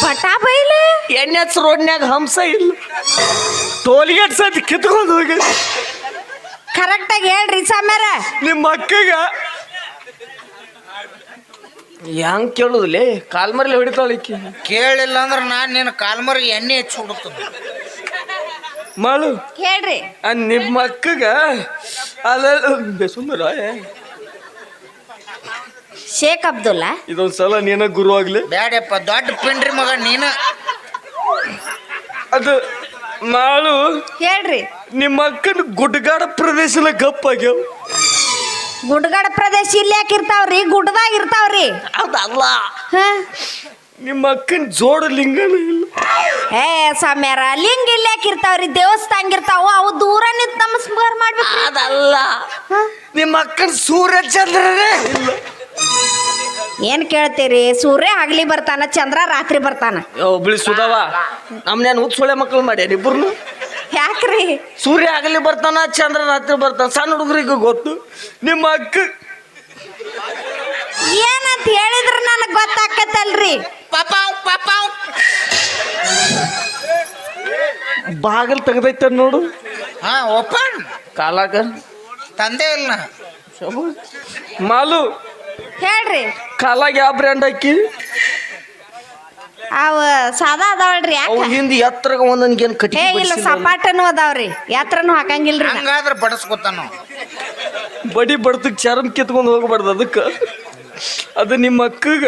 A: NH ರೋಡ್ನ್ಯಾಗ ಹಂಸ ಇಲ್ಲ ಟೋಲ್ಗೇಟ್ ಸತಿ ಕಿತ್ಕೊಂಡು ಹೋಗಿ
C: ಕರೆಕ್ಟಾಗಿ ಹೇಳ್ರಿ ಸಾಮ್ಯಾರ
A: ನಿಮ್ಮ ಅಕ್ಕಗ ಹೆಂಗ್ ಕೇಳುದಿಲ್ಲೇ ಕಾಲ್ಮರ್ಲಿ ಹೊಡಿತಾಳಿಕ್ಕಿ
B: ಕೇಳಿಲ್ಲ ಅಂದ್ರೆ ನಾನು ನಿನ್ನ ಕಾಲ್ಮರಿಗೆ ಎಣ್ಣೆ ಹೆಚ್ಚು ಹುಡುಕ್ತದೆ
A: ಮಾಡು
C: ಹೇಳ್ರಿ
A: ನಿಮ್ಮ ಅಕ್ಕಗ ಅಲ್ಲ ಸುಂದರ
C: ಶೇಖ್ ಅಬ್ದುಲ್ಲಾ
A: ಇದೊಂದ್ಸಲ ನೀನ ಗುರು ಆಗ್ಲಿ
B: ಬ್ಯಾಡಪ್ಪ ದೊಡ್ಡ ಪಿಂಡ್ರಿ ಮಗ ನೀನ
A: ಅದು ಮಾಡು
C: ಹೇಳ್ರಿ
A: ನಿಮ್ಮ ಅಕ್ಕನ ಗುಡ್ಡಗಾಡ ಪ್ರದೇಶದ ಗಪ್ಪಾಗ್ಯಾವ
C: ಗುಡ್ಡಗಾಡ ಪ್ರದೇಶ ಇಲ್ಲಿ ಯಾಕಿರ್ತಾವ್ರಿ ಗುಡ್ಡದಾಗ ಇರ್ತಾವ್ರಿ
A: ಅದಲ್ಲ
C: ಹಾ
A: ನಿಮ್ಮ ಅಕ್ಕನ ಜೋಡ ಲಿಂಗನ ಇಲ್ಲ
C: ಏ ಸಾಮ್ಯಾರ ಲಿಂಗ ಇಲ್ಲಿ ಯಾಕಿರ್ತಾವ್ರಿ ದೇವಸ್ಥಾನ ಇರ್ತಾವ ಅವು ದೂರ ನಿಂತ ನಮಸ್ಕಾರ ಮಾಡ್ಬೇಕು
A: ಅದಲ್ಲ ನಿಮ್ಮ ಅಕ್ಕನ ಸೂರ್ಯ ಚಂದ್ರನೇ ಇಲ್ಲ
C: ಏನ್ ಕೇಳ್ತೀರಿ ಸೂರ್ಯ ಹಗಲಿ ಬರ್ತಾನ ಚಂದ್ರ ರಾತ್ರಿ ಬರ್ತಾನ
A: ಒಬ್ಳಿ ಸುಧವ ನಮ್ನೇನು ಹುಚ್ಚೊಳೆ ಮಕ್ಕಳು ಮಾಡ್ಯಾರ ಇಬ್ರು
C: ಯಾಕ್ರಿ
A: ಸೂರ್ಯ ಆಗಲಿ ಬರ್ತಾನ ಚಂದ್ರ ರಾತ್ರಿ ಬರ್ತಾನ ಸಣ್ಣ ಹುಡುಗರಿಗೂ ಗೊತ್ತು ನಿಮ್ಮ ಅಕ್ಕ
C: ಏನಂತ ಹೇಳಿದ್ರ ನನಗ್ ಗೊತ್ತಾಕತ್ತಲ್ರಿ
A: ಬಾಗಲ್ ತೆಗ್ದೈತ ನೋಡು
B: ಹಾ ಓಪನ್
A: ಕಾಲಾಗ
B: ತಂದೆ ಇಲ್ಲ
A: ಮಾಲು
C: ಹೇಳ್ರಿ
A: ಕಾಲಾಗ ಯಾವ ಬ್ರ್ಯಾಂಡ್ ಹಾಕಿ
C: ಅವ ಸಾದಾ ಅದಾವಲ್ರಿ
A: ಅವು
C: ಯಾಕ
A: ಹಿಂದಿ ಎತ್ತರಗ ಒಂದೊಂದ್ಗೇನು ಕಟ್ಟಿ
C: ಏ ಇಲ್ಲ ಸಪಾಟನು ಅದಾವ್ರಿ ಯಾತ್ರನು ಹಾಕಂಗಿಲ್ರಿ ನಾ.
B: ಹಂಗಾದ್ರೆ ಬಡಸ್ಕೊತಾನ
A: ಬಡಿ ಬಡ್ತಕ್ ಚರ್ಮ ಕಿತ್ಕೊಂಡು ಹೋಗ್ಬಾರ್ದು ಅದಕ್ಕೆ ಅದು ನಿಮ್ಮ ಅಕ್ಕಗ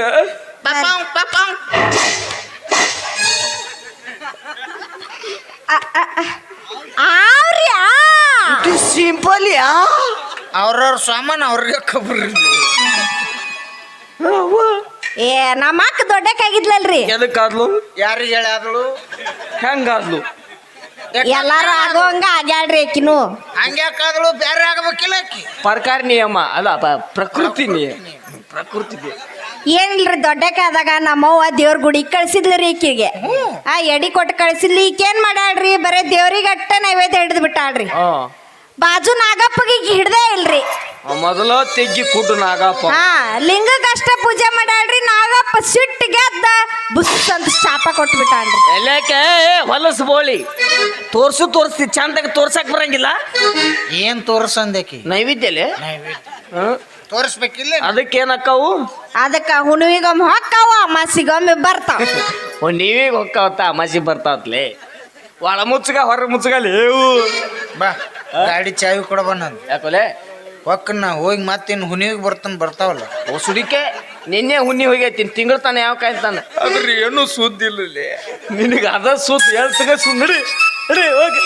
C: ಆವ್ರಿ
A: ಸಿಂಪಲ್ ಯಾ
B: ಅವ್ರವ್ರ ಸಾಮಾನು ಅವ್ರಿಗೆ ಖಬರ್
C: ಏ ನಮ್ಮ ಅಕ್ಕ ದೊಡ್ಡಕ್ಕಾಗಿದ್ಲಲ್ರಿ
A: ಎದಕ್ಕಾದ್ಲು
B: ಯಾರಿಗೆ ಹೇಳಾದಳು
A: ಹೆಂಗಾದ್ಲು
C: ಎಲ್ಲಾರು ಆಗೋಂಗ ಆಗ್ಯಾಳ್ರಿ ಆಕಿನು
B: ಹಂಗ್ಯಾಕಾದಳು ಬೇರೆ ಆಗಬೇಕಿಲ್ಲ ಆಕಿ
A: ಸರ್ಕಾರ ನಿಯಮ ಅಲ್ಲ ಪ್ರಕೃತಿ ನಿಯಮ ಪ್ರಕೃತಿ
C: ಏನಿಲ್ರಿ ದೊಡ್ಡಕ್ಕೆ ಆದಾಗ ನಮ್ಮವ್ವ ದೇವ್ರ ಗುಡಿ ಕಳ್ಸಿದ್ಲ್ರಿ ಈಕಿಗೆ ಆ ಎಡಿ ಕೊಟ್ಟು ಕಳ್ಸಿದ್ಲಿ ಈಕೇನ್ ಮಾಡ್ಯಾಳ್ರಿ ಬರೇ ದೇವ್ರಿಗೆ ಅಟ್ಟ ನೈವೇದ್ಯ ಹಿಡಿದು ಬಿಟ್ಟಾಳ್ರಿ ಬಾಜು ನಾಗಪ್ಪಗೆ ಈಗ ಹಿಡ್ದೇ ಇಲ್ರಿ
A: ಮೊದಲ ತೆಗ್ಗಿ ಕುಟ್ಟು ನಾಗಪ್ಪ
C: ಹಾ ಲಿಂಗಕ್ಕಷ್ಟ ಪೂಜೆ ಮಾಡ್ಯಾಳ್ರಿ ನಾಗಪ್ಪ ಸಿಟ್ಟು ಗೆದ್ದ ಬುಸ್ ಅಂತ ಶಾಪ ಕೊಟ್ಟು ಬಿಟ್ಟಾಳ್ರಿ
A: ಎಲ್ಲಕ್ಕೆ ಹೊಲಸು ಬೋಳಿ ತೋರಿಸ್ತಿ ಚಂದಾಗ ತೋರ್ಸಕ್ ಬರಂಗಿಲ್ಲ
B: ಏನ್ ತೋರ್ಸಂದೇಕಿ
A: ನೈವೇದ್ಯಲೆ
B: ತೋರಿಸ್ಬೇಕಿಲ್ಲ
A: ಅದಕ್ಕೇನಕ್ಕವು
C: ಅದಕ್ಕ ಹುಣ್ಣಿಗೊಮ್ಮೆ ಹೊಕ್ಕಾವ ಅಮಾಸಿಗೊಮ್ಮೆ ಬರ್ತಾವ
A: ನೀವೀಗ ಹೊಕ್ಕಾವತ್ತ ಅಮಾಸಿ ಬರ್ತಾವತ್ಲೆ ಒಳ ಮುಚ್ಚಗ ಹೊರ ಮುಚ್ಚಗಲ್ಲಿ
B: ಬಾ ಗಾಡಿ ಚಾವಿ ಕೊಡಬ ನಾನು
A: ಯಾಕೋಲೆ
B: ಹೊಕ್ಕನ್ನ ಹೋಗಿ ಮತ್ತೇನು ಹುನಿಗೆ ಬರ್ತಾವಲ್ಲ
A: ಓ ಸುಡಿಕೆ ನಿನ್ನೆ ಹುಣ್ಣಿ ಹೋಗೈತಿ ತಿಂಗಳ ತಾನೆ ಯಾವ ಕಾಯ್ತಾನೆ
B: ಅದ್ರಿ ಏನು ಸುದ್ದಿ ಇಲ್ಲ
A: ನಿನಗೆ ಅದ ಸುತ್ತ ಹೇಳ್ತಗ ಸುಂದಡಿ ನಡಿ ಹೋಗಿ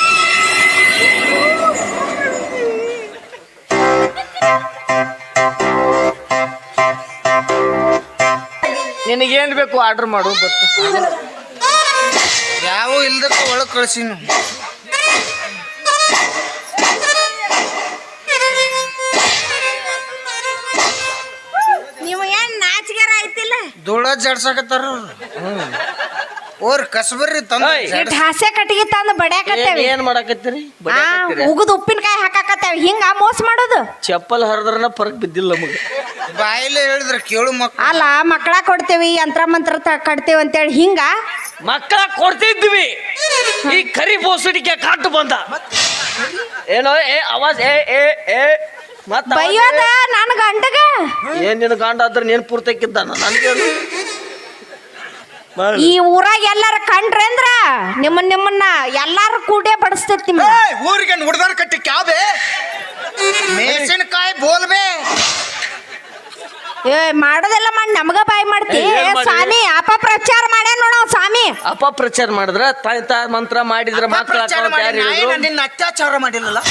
A: ನಿನಗೇನು ಬೇಕು ಆರ್ಡರ್ ಮಾಡು ಬರ್ತೀನಿ
B: ಯಾವ ಇಲ್ದಕ್ಕ ಒಳಗೆ ಕಳ್ಸಿನು
C: ನೀವು ಏನ್ ನಾಚಿಗೆರ ಆಯ್ತಿಲ್ಲ
B: ಧೂಳ ಜಾಡ್ಸಾಕತ್ತಾರ ಓರ್ ಕಸಬರ್ರಿ ತಂದ
C: ಇಟ್ ಹಾಸ್ಯ ಕಟ್ಟಿಗೆ ತಂದು ಬಡ್ಯಾಕತ್ತೇವಿ
A: ಏನ್ ಮಾಡಾಕತ್ತೀರಿ
C: ಉಗುದ್ ಉಪ್ಪಿನಕಾಯಿ ಹಾಕಾಕತ್ತೇವಿ ಹಿಂಗ ಮೋಸ ಮಾಡೋದು
A: ಚಪ್ಪಲ್ ಹರಿದ್ರನ ಪರಕ್ ಬಿದ್ದಿಲ್ಲ ನಮಗೆ
B: ಬಾಯಿಲೆ ಹೇಳಿದ್ರ ಕೇಳು ಮಕ್ಕಳು
C: ಅಲ್ಲ ಮಕ್ಕಳ ಕೊಡ್ತೇವಿ ಯಂತ್ರ ಮಂತ್ರ ಕಟ್ತೇವಿ ಅಂತೇಳಿ ಹಿಂಗ
A: ಮಕ್ಕಳ ಕೊಡ್ತಿದ್ವಿ ಈ ಕರಿ ಬೋಸಡಿಕೆ ಕಾಟು ಬಂದ ಏನೋ ಅವಾಜ್ ಏ ಮತ್ತ
C: ಬೈಯೋದ ನನ್ ಗಂಡಗ
A: ಏನ್ ನಿನ್ ಗಂಡ ಆದ್ರೆ ನೀನ್ ಪೂರ್ತಕ್ಕಿದ್ದಾನ ನನ್ಗೆ
C: ಈ ಊರಾಗ ಎಲ್ಲಾರ ಕಂಡ್ರೆ ಅಂದ್ರ ನಿಮ್ಮನ್ನ ಎಲ್ಲಾರು ಕೂಡೇ ಬಡಿಸ್ತೈತಿ ನಿಮ್ಮ
B: ಊರಿಗೆ ಹುಡ್ದಾರ ಕಟ್ಟಿ ಕ್ಯಾವೆ ಮೆಣಸಿನಕಾಯಿ ಬೋಲ್ಬೇ
C: ಏ ಮಾಡೋದೆಲ್ಲ ಮಾಡಿ ನಮಗ ಬಾಯಿ ಮಾಡ್ತಿ ಸ್ವಾಮಿ ಅಪಪ್ರಚಾರ ಮಾಡ್ಯಾನ ನೋಡ ಸ್ವಾಮಿ
A: ಅಪಪ್ರಚಾರ ಮಾಡಿದ್ರ ತಾಯ್ತ ಮಂತ್ರ ಮಾಡಿದ್ರ ಮಕ್ಕಳ
B: ನಿನ್ನ ಅತ್ಯಾಚಾರ ಮಾಡಿಲ್ಲಲ್ಲ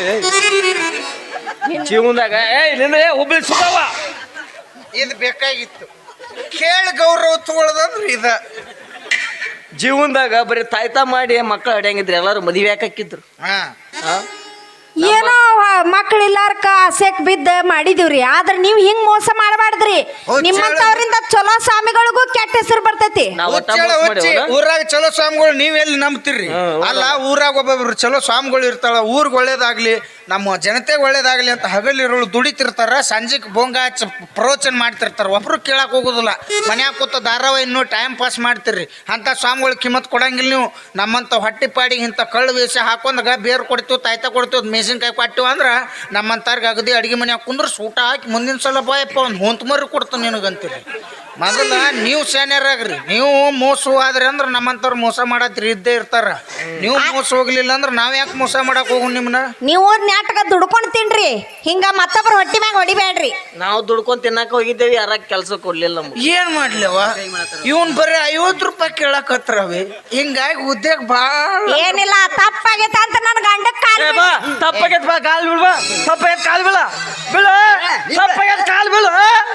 A: ಜೀವನದಾಗ ಹುಬ್ಳಿ ಸುಖವ
B: ಇದು ಬೇಕಾಗಿತ್ತು ಕೇಳಿ ಗೌರವ ತಗೊಳ್ಳೋದಂದ್ರೆ ಇದ
A: ಜೀವನದಾಗ ಬರೀ ತಾಯ್ತ ಮಾಡಿ ಮಕ್ಕಳು ಹಡಿಯಂಗಿದ್ರು ಎಲ್ಲಾರು ಮದುವೆ ಹಾಕಿದ್ರು
C: ಏನೋ ಮಕ್ಳಿಲ್ಲಾರ್ಕ ಆಸೆಕ್ ಬಿದ್ದ ಮಾಡಿದೀವ್ರಿ ಆದ್ರ ನೀವ್ ಹಿಂಗ್ ಮೋಸ ಮಾಡಬಾರ್ದ್ರಿ ನಿಮ್ಮಂತವ್ರಿಂದ ಚಲೋ ಸ್ವಾಮಿಗಳಿಗೂ ಕೆಟ್ಟ ಹೆಸರು ಬರ್ತೈತಿ
B: ಊರಾಗ ಚಲೋ ಸ್ವಾಮಿಗಳು ನೀವ್ ಎಲ್ಲಿ ನಂಬ್ತಿರ್ರಿ ಅಲ್ಲ ಊರಾಗ ಒಬ್ಬೊಬ್ರು ಚಲೋ ಸ್ವಾಮಿಗಳು ಇರ್ತಾಳ ಊರ್ಗ್ ಒಳ್ಳೇದಾಗ್ಲಿ ನಮ್ಮ ಜನತೆಗೆ ಒಳ್ಳೇದಾಗ್ಲಿ ಅಂತ ಹಗಲಿರೋಳು ದುಡಿತಿರ್ತಾರ ಸಂಜೆಗೆ ಬೊಂಗ ಹಚ್ಚ ಪ್ರವಚನ ಮಾಡ್ತಿರ್ತಾರ ಒಬ್ರು ಕೇಳಕ್ ಹೋಗುದಿಲ್ಲ ಮನ್ಯಾಗ ಕೂತ ಧಾರಾವಾಹಿ ಇನ್ನೂ ಟೈಮ್ ಪಾಸ್ ಮಾಡ್ತಿರ್ರಿ ಅಂತ ಸ್ವಾಮಿಗಳು ಕಿಮ್ಮತ್ ಕೊಡಂಗಿಲ್ಲ ನೀವು ನಮ್ಮಂತ ಹೊಟ್ಟಿ ಪಾಡಿಗೆ ಇಂಥ ಕಳ್ಳು ವೇಷ ಹಾಕೊಂಡಾಗ ಬೇರು ಕೊಡ್ತೀವಿ ತಾಯ್ತ ಕೊಡ್ತೀವಿ ಮೆಣಸಿನ್ಕಾಯಿ ಕೊಟ್ಟಿವಿ ಅಂದ್ರೆ ನಮ್ಮಂತಾರ್ಗೆ ಅಗದಿ ಅಡಿಗೆ ಮನ್ಯಾಗ ಕುಂದ್ರೆ ಸೂಟ ಹಾಕಿ ಮುಂದಿನ ಸಲ ಬಾಯಪ್ಪ ಒಂದು ಹೊಂತ ಮರಿ ಕೊಡ್ತಾನೆ ನಿನಗಂತೀರಿ ಮೊದಲ ನೀವು ಸೇನ್ಯರಾಗ್ರಿ ನೀವು ಮೋಸ ಆದ್ರಿ ಅಂದ್ರೆ ನಮ್ಮಂತವ್ರು ಮೋಸ ಮಾಡತ್ರಿ ಇದ್ದೇ ಇರ್ತಾರ ನೀವು ಮೋಸ ಹೋಗ್ಲಿಲ್ಲ ಅಂದ್ರೆ ನಾವ್ ಯಾಕೆ ಮೋಸ ಮಾಡಕ್ ಹೋಗು ನಿಮ್ನ
C: ನೀವು ನಾಟಕ ದುಡ್ಕೊಂಡ್ ತಿನ್ರಿ ಹಿಂಗ ಮತ್ತೊಬ್ರು ಹೊಟ್ಟಿ ಮ್ಯಾಗ ಹೊಡಿಬೇಡ್ರಿ
A: ನಾವು ದುಡ್ಕೊಂಡ್ ತಿನ್ನಕ ಹೋಗಿದ್ದೇವಿ ಯಾರ ಕೆಲಸ ಕೊಡ್ಲಿಲ್ಲ
B: ಏನ್ ಮಾಡ್ಲಿವ ಇವನ್ ಬರೀ 50 ರೂಪಾಯಿ ಕೇಳಕತ್ರವಿ ಹಿಂಗಾಗಿ ಉದ್ಯೋಗ ಬಾಳ
C: ಏನಿಲ್ಲ ತಪ್ಪಾಗೈತ ಅಂತ ನನ್ ಗಂಡಕ್ ಕಾಲ್
A: ತಪ್ಪಾಗೈತ್ ಬಾ ಕಾಲ್ ಬೀಳ್ ಬಾ ತಪ್ಪಾಗೈತ್ ಕಾಲ್ ಬೀಳ ಬೀಳ ತಪ್ಪಾಗೈತ್ ಕಾಲ್ ಬೀಳ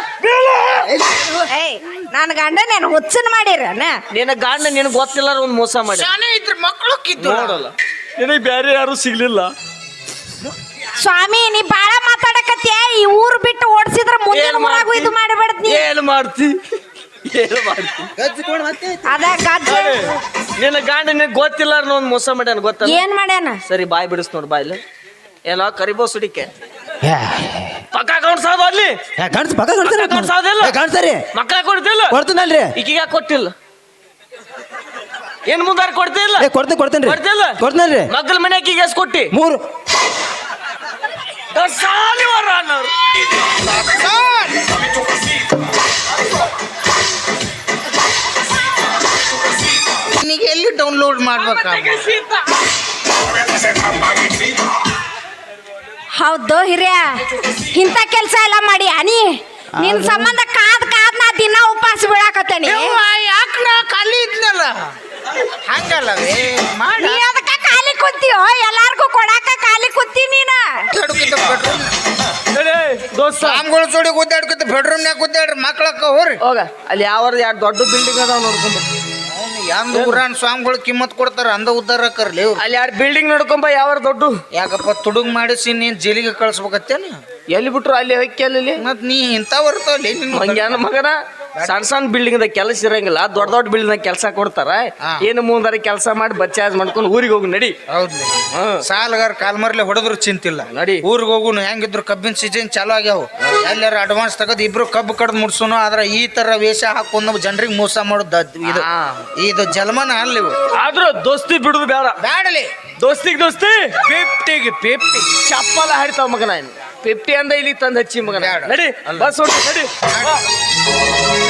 C: ಏಯ್ ನನ್ ಗಂಡ ನಾನು ಹುಚ್ಚನ್ ಮಾಡಿರನ
A: ನಿನ್ನ ಗಂಡ ನಿನಗೆ ಗೊತ್ತಿಲ್ಲ ಒಂದ್ ಮೋಸ ಮಾಡಿ
B: ಶಾನೆ ಇದ್ರ ಮಕ್ಕಳು ಕಿತ್ತು
A: ನೋಡಲ್ಲ ನಿನಗೆ ಬೇರೆ ಯಾರು ಸಿಗ್ಲಿಲ್ಲ
C: ಸ್ವಾಮಿ ನೀ ಬಾಳ ಮಾತಾಡಕತ್ಯ ಈ ಊರ್ ಬಿಟ್ಟು ಓಡಿಸಿದ್ರ ಮುಂದಿನ ಊರಾಗೂ ಇದು ಮಾಡಬೇಡ ನೀ
A: ಏನು ಮಾಡ್ತಿ ಏನು ಮಾಡ್ತಿ
C: ಅದ ಗಜ್ಜ
A: ನಿನ್ನ ಗಂಡ ನಿನಗೆ ಗೊತ್ತಿಲ್ಲ ಒಂದ್ ಮೋಸ ಮಾಡ್ಯಾನ ಗೊತ್ತಲ್ಲ
C: ಏನ್ ಮಾಡ್ಯಾನ
A: ಸರಿ ಬಾಯ್ ಬಿಡಿಸ್ ನೋಡು ಬಾಯ್ಲಿ ಏನೋ ಕರಿಬೋ ಸುಡಿಕೆ ಪಕ್ಕ ಕಾಣಿಸೋದು ಅಲ್ಲಿ
E: ಕಾಣ್ತಾರೆ
A: ಮಕ್ಕಳ ಕೊಡ್ತಿಲ್ಲ
E: ಕೊಡ್ತೀನಲ್ರಿ
A: ಈಗೀಗ ಕೊಟ್ಟಿಲ್ಲ ಏನ್ ಮುಂದಾರ ಕೊಡ್ತಿಲ್ಲ
E: ಕೊಡ್ತೇನ್ರಿ
A: ಕೊಡ್ತಿಲ್ಲ
E: ಕೊಡ್ತೇನ್ರಿ
A: ಮಕ್ಕಳ ಮನೆಯಾಗ ಈಗ ಎಷ್ಟು ಕೊಟ್ಟಿ
E: 3
A: ಸಾಲಿವರ ಅನ್ನೋರು
B: ನಿನಗೆ ಎಲ್ಲಿ ಡೌನ್ಲೋಡ್ ಮಾಡ್ಬೇಕ
C: ಹೌದು ಹಿರಿಯ ಇಂಥ ಕೆಲಸ ಎಲ್ಲ ಮಾಡಿ ಅನಿ ನಿನ್ ಸಂಬಂಧ ಕಾದ್ ನಾ ದಿನ ಉಪವಾಸ ಬೀಳಾಕತ್ತೇನಿ
B: ಯಾಕೆ ನಾ ಖಾಲಿ ಇದ್ನಲ್ಲ ಹಂಗಲ್ಲವೇ ಮಾಡಿ
C: ನೀ ಅದಕ್ಕ ಖಾಲಿ ಕುಂತೀಯೋ ಎಲ್ಲಾರ್ಗೂ ಕೊಡಾಕ ಖಾಲಿ ಕುಂತಿ ನೀನ
B: ಬೆಡ್ರೂಮ್
A: ದೋಸ್ತ
B: ಸ್ವಾಮಿಗಳ ಜೋಡಿ ಗುದ್ದಾಡ್ಕೊತ ಬೆಡ್ರೂಮ್ನ್ಯಾಗ ಗುದ್ದಾಡ ಹೇಳ್ರಿ ಮಕ್ಳಕ್ಕ ಹೋರಿ
A: ಹೋಗ ಅಲ್ಲಿ ಯಾವ ಎರಡು ದೊಡ್ಡ ಬಿಲ್ಡಿಂಗ್ ಅದಾವ ನೋಡ್ಕೊಂಬ.
B: ಎಂದ ಊರಾನ್ ಸ್ವಾಮಿಗಳು ಕಿಮ್ಮತ್ ಕೊಡ್ತಾರ ಅಂದ ಉದ್ದಾರ ಆಕರ್ಲಿ ಅವ್ರು.
A: ಅಲ್ಲಿ ಎರಡು ಬಿಲ್ಡಿಂಗ್ ನೋಡ್ಕೊಂಬ ಯಾವ ದೊಡ್ಡ.
B: ಯಾಕಪ್ಪ ತುಡುಗ್ ಮಾಡಿಸಿ ನೀನ್ ಜೈಲಿಗೆ ಕಳ್ಸ್ಬೇಕತ್ತೇನ
A: ಎಲ್ಲಿ ಬಿಟ್ರು ಅಲ್ಲಿ ಹೊಕ್ಕಿ ಅಲ್ಲಿ
B: ಮತ್ ನೀ ಇಂತ ಬರ್ತಾವಲ್ಲಿ
A: ಮಂಗ್ಯಾನ ಮಗನ. ಸಣ್ಣ ಸಣ್ಣ ಬಿಲ್ಡಿಂಗ್ ದಾಗ ಕೆಲಸ ಇರಂಗಿಲ್ಲ, ದೊಡ್ಡ ದೊಡ್ಡ ಬಿಲ್ಡಿಂಗ್ ದಾಗ ಕೆಲಸ ಕೊಡ್ತಾರ. ಏನು ಮುಂದಾರ ಕೆಲಸ ಮಾಡಿ ಬಚ್ಚಾಜ್ ಮಾಡ್ಕೊಂಡು ಊರಿಗೆ ಹೋಗಿ ನಡಿ.
B: ಹೌದ್ಲಿ ಸಾಲಗಾರ ಕಾಲ್ಮರ್ಲೆ ಹೊಡೆದ್ರು ಚಿಂತಿಲ್ಲ
A: ನಡಿ.
B: ಊರಿಗೆ ಹೋಗುನು ಹೆಂಗಿದ್ರು ಕಬ್ಬಿನ ಸೀಸನ್ ಚಾಲು ಆಗ್ಯಾವ. ಎಲ್ಲಾರ ಅಡ್ವಾನ್ಸ್ ತಗದ್ ಇಬ್ರು ಕಬ್ಬು ಕಡ್ದು ಮುಡ್ಸುನು. ಆದ್ರ ಈ ತರ ವೇಷ ಹಾಕೊಂಡು ಜನರಿಗೆ ಮೋಸ ಮಾಡೋದು ಇದು ಜನ್ಮನ ಅಲ್ಲಿ.
A: ಆದ್ರೂ ದೋಸ್ತಿ ಬಿಡುದು ಬೇಡ.
B: ಬ್ಯಾಡಲಿ
A: ದೋಸ್ತಿಗೆ ದೋಸ್ತಿ
B: 50
A: ಚಪ್ಪಲ ಹಾಡ್ತಾವ ಮಗನ. 50 ಅಂದ ಇಲ್ಲಿ ತಂದು ಹಚ್ಚಿ ಮಗನ. ನಡಿ ಬಸ್ ಹೊಡ್ತು ನಡಿ.